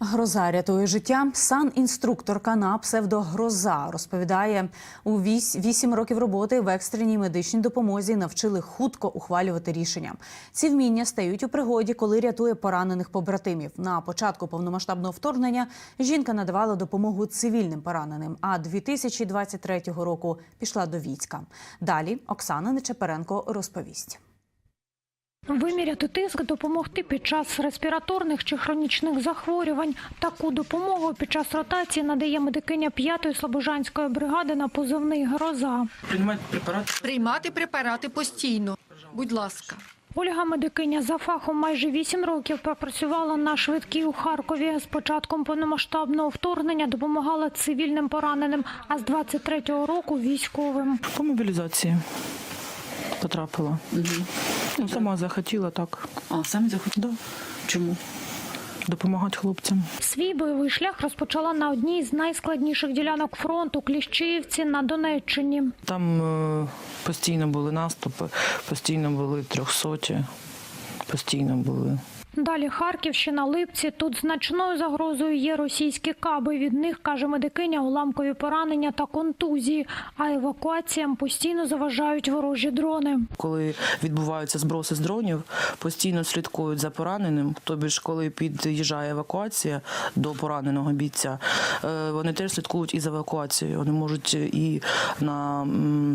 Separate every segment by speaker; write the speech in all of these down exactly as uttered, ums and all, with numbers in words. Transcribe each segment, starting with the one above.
Speaker 1: Гроза рятує життя. Санінструкторка на псевдо «Гроза» розповідає, у вісім років роботи в екстреній медичній допомозі навчили хутко ухвалювати рішення. Ці вміння стають у пригоді, коли рятує поранених побратимів. На початку повномасштабного вторгнення жінка надавала допомогу цивільним пораненим, а дві тисячі двадцять третього року пішла до війська. Далі Оксана Нечепоренко розповість.
Speaker 2: Виміряти тиск, допомогти під час респіраторних чи хронічних захворювань. Таку допомогу під час ротації надає медикиня п'ятої слобожанської бригади на позивний «Гроза».
Speaker 3: Приймати препарати?
Speaker 4: Приймати препарати постійно. Будь ласка.
Speaker 2: Ольга, медикиня за фахом, майже вісім років пропрацювала на швидкій у Харкові. З початком повномасштабного вторгнення допомагала цивільним пораненим, а з двадцять третього року – військовим.
Speaker 3: По мобілізації потрапила.
Speaker 5: Угу.
Speaker 3: Ну, сама захотіла так.
Speaker 5: А, самі захотіли?
Speaker 3: Да.
Speaker 5: Чому?
Speaker 3: Допомагати хлопцям.
Speaker 2: Свій бойовий шлях розпочала на одній з найскладніших ділянок фронту – Кліщіївці на Донеччині.
Speaker 3: Там е, постійно були наступи, постійно були трьохсоті, постійно були.
Speaker 2: Далі Харківщина, Липці. Тут значною загрозою є російські каби. Від них, каже медикиня, уламкові поранення та контузії. А евакуаціям постійно заважають ворожі дрони.
Speaker 3: Коли відбуваються зброси з дронів, постійно слідкують за пораненим. Тобі ж, коли під'їжджає евакуація до пораненого бійця, вони теж слідкують і за евакуацією. Вони можуть і на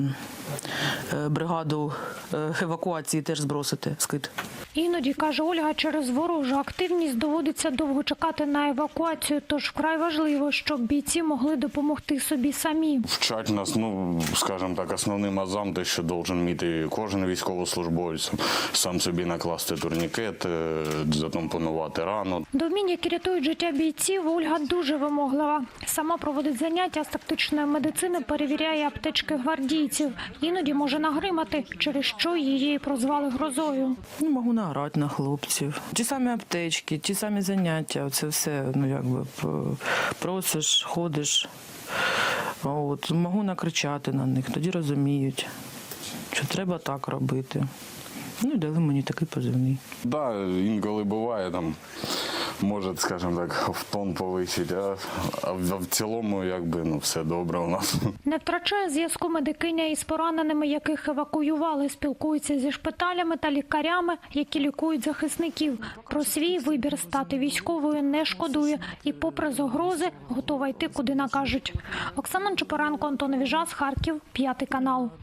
Speaker 3: бригаду евакуації теж збросити скид.
Speaker 2: Іноді, каже Ольга, через ворожу активність доводиться довго чекати на евакуацію, тож вкрай важливо, щоб бійці могли допомогти собі самі.
Speaker 6: Вчать нас, ну, скажімо так, основним азам, те, що должен вміти кожен військовослужбовець, сам собі накласти турнікет, затампонувати рану.
Speaker 2: До вмінь, які рятують життя бійців, Ольга дуже вимоглива. Сама проводить заняття з тактичної медицини, перевіряє аптечки гвардійців. Іноді може нагримати, через що її прозвали «Грозою».
Speaker 3: Ну, можу наорати на хлопців. Ті самі аптечки, ті самі заняття, це все, ну, якби, просиш, ходиш. От, можу накричати на них, тоді розуміють, що треба так робити. Ну, і дали мені такий позивний.
Speaker 6: Так, да, інколи буває, там, може, скажімо так, в тон повисить, а, а в цілому, якби, ну, все добре у нас.
Speaker 2: Не втрачає зв'язку медикиня із пораненими, яких евакуювали, спілкується зі шпиталями та лікарями, які лікують захисників. Про свій вибір стати військовою не шкодує і, попри загрози, готова йти, куди накажуть. Оксана Нечепоренко, Антон Віжас, Харків, п'ятий канал.